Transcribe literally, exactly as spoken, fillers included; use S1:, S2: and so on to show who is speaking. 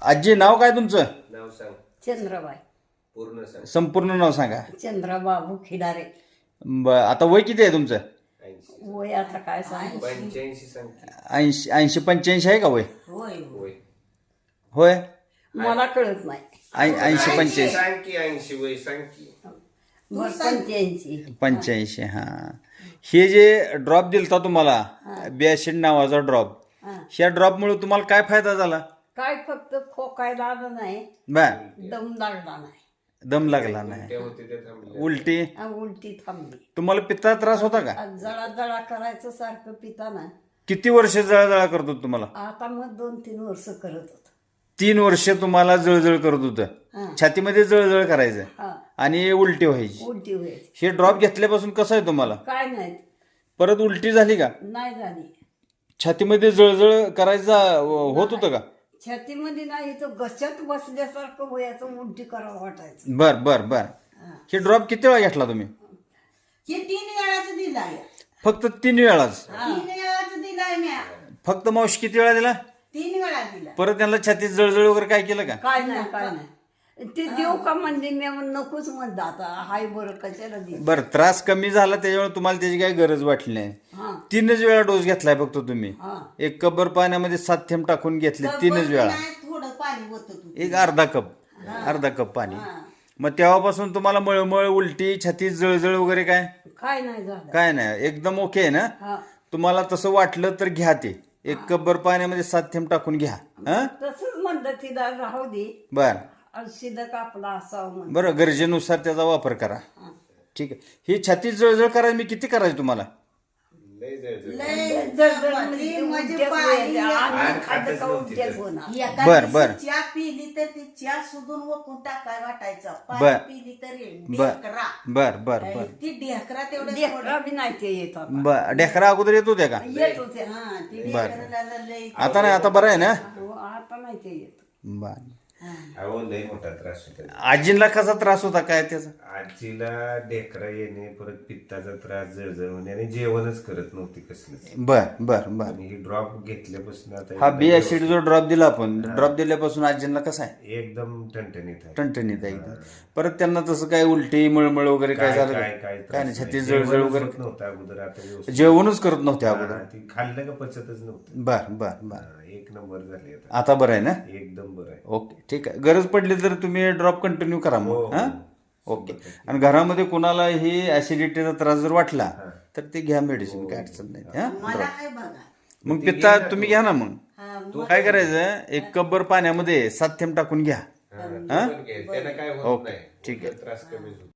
S1: आजी नाव काय तुमचं?
S2: नाव सांग.
S3: चंद्रबाई.
S2: पूर्ण सांग.
S1: संपूर्ण नाव सांगा.
S3: चंद्रबाबू खिडारे.
S1: ब- आता वय किती आहे तुमचं?
S2: ऐंशी.
S3: वय आता काय सांग.
S2: पंच्याऐंशी सांग की.
S1: ऐंशी ऐंशी पंच्याऐंशी आहे का वय?
S3: होय
S2: होय.
S1: होय.
S3: मला कळत नाही.
S1: ऐं- ऐंशी पंच्याऐंशी
S2: सांग की ऐंशी वय सांग की.
S3: बरं, पंच्याऐंशी.
S1: पंच्याऐंशी हा. हे जे ड्रॉप दिलता तुम्हाला बियाशीड नावाचा ड्रॉप,
S3: हा.
S1: ह्या ड्रॉपमुळे तुम्हाला काय फायदा झाला?
S3: काय फक्त खोकायला आलं नाही,
S1: बर.
S3: दम लागला नाही,
S1: दम लागला नाही,
S2: ते होते ते थांबले.
S1: उलटी,
S3: आणि उलटी थांबली.
S1: तुम्हाला पित्ता त्रास होता का?
S3: आज जळा जळा करायचं सारखं पिताना.
S1: किती वर्ष जळजळ करत होत तुम्हाला?
S3: आता मग दोन तीन वर्ष करत होत.
S1: तीन वर्ष तुम्हाला जळजळ करत होतं,
S3: हा.
S1: छातीमध्ये जळजळ करायचं
S3: हा.
S1: आणि उलटी व्हायची.
S3: उलटी व्हायची.
S1: हे ड्रॉप घेतल्यापासून कसं आहे तुम्हाला?
S3: काय नाही,
S1: परत उलटी झाली का?
S3: नाही झाली.
S1: छातीमध्ये जळजळ करायचा होत होतं का?
S3: छातीमध्ये नाही, तो गचत बसल्यासारखं व्हायचं, उलटी करावं वाटायचं.
S1: बर बर बर. हे ड्रॉप किती वेळा घेतला तुम्ही?
S4: हे तीन वेळाच दिलाय.
S1: फक्त तीन वेळाच?
S4: तीन वेळाच दिलाय म्या.
S1: फक्त मावशी किती वेळा दिला?
S4: तीन वेळा दिला.
S1: परत त्यांना छातीत जळजळ वगैरे काय केलं का?
S3: काय नाही, काय नाही. ते देऊ का म्हणजे मी नकोच म्हणलं, आता हाय बरं कशाला दे.
S1: बर, त्रास कमी झाला त्याच्यामुळे तुम्हाला त्याची काही गरज वाटली नाही.
S3: हा.
S1: तीनच वेळा डोस घेतलाय फक्त तुम्ही.
S3: हा.
S1: एक कबर पाण्यामध्ये सात थेंब टाकून घेतले तीनच वेळा.
S4: नाही, थोडं पाणी होतं तू.
S1: एक अर्धा कप अर्धा कप पाणी. मग तेव्हापासून तुम्हाला मळमळ, उलटी, छातीत जळजळ वगैरे काय
S3: काय नाही झालं.
S1: काय नाही, एकदम ओके आहे ना?
S3: हा.
S1: तुम्हाला तसं वाटलं तर घ्या ते. एक कब्बर पाण्यामध्ये सात थेंब टाकून घ्या. हा.
S3: तसंच म्हणलं तिला राहू दे,
S1: बर
S3: शिदक आपला असावं म्हणून.
S1: बरं, गरजेनुसार त्याचा वापर करा. ठीक आहे. ही छातीत जळजळ करायला मी किती करायची तुम्हाला?
S2: लय जळजळ.
S4: लय
S3: जळजळ
S4: ती
S3: म्हणजे
S4: म्हणजे
S3: उलट्याच
S4: पाणी
S3: व्हायच्या.
S4: येतं.
S3: आणि
S2: आणि
S3: खाल्लं
S2: खातच
S3: का
S2: नव्हती
S3: उलट्याच
S2: तर.
S3: होणार.
S4: एका
S1: बर,
S4: दिवशी
S1: बर.
S4: चहा पिली तर ती चहा सुधून वकून टाकाय वाटायचं.
S1: बर.
S4: पाणी पिली तर
S1: बर
S4: ढेकरा.
S1: बर बर बर
S4: ती ढेकरा तेवढं
S3: लेकरं बी नाही ते येत आता.
S1: बर. ढेकरा अगोदर येत होत्या का?
S3: येत होते.
S4: हा, ती
S1: बर.
S4: ढेकराला लय.
S1: आता नाही, आता बरं आहे ना?
S3: हो, आता नाही ते येत.
S1: बर.
S2: अहो लय मोठा त्रास होता.
S1: आजींना कसा त्रास होता काय त्याचा?
S2: आजीला ढेकरा येणे, परत पित्ताचा त्रास, जळजळ होणे आणि जेवणच करत नव्हती कसलंच.
S1: बर बर बर.
S2: आणि ही ड्रॉप घेतल्यापासून आता
S1: हा
S2: एकदम
S1: बी ऍसिड जो ड्रॉप दिला आपण, ड्रॉप दिल्यापासून आजींना कसा आहे?
S2: एकदम ठणठणीत आहे.
S1: टणटणीत आहे एकदम. परत त्यांना तसं काय उलटी, मळमळ वगैरे काय झालं
S2: काय
S1: का?
S2: काय
S1: काय
S2: त्रास
S1: नाही, छातीत
S2: नाही.
S1: जळजळ
S2: जेवणच
S1: वगैरे
S2: होत नव्हतं अगोदर, आता व्यवस्थित.
S1: जेवणच करत नव्हते अगोदर.
S2: हा, ती खाल्लं का पचतच नव्हतं.
S1: बर बर बर.
S2: हा, एक नंबर झाली आता.
S1: आता बरं आहे ना?
S2: एकदम बरं आहे.
S1: ओके, ठीक आहे. गरज पडली तर तुम्ही ड्रॉप कंटिन्यू करा
S2: हो,
S1: मग.
S2: हो.
S1: हा. ओके. आणि घरामध्ये कोणाला ही ऍसिडिटीचा त्रास जर वाटला तर ते घ्या मेडिसिन, काय अडचण नाही. हा.
S4: मला काय बघा.
S1: मग पित्ता तुम्ही घ्या ना. मग
S4: हा,
S1: काय करायचं, एक कब्बर पाण्यामध्ये सात थेंब टाकून घ्या.
S2: हा, ते पण घे. त्यानं काय होत
S1: ओके,
S2: नाही.
S1: ठीक आहे.
S2: त्रास कमी होतो.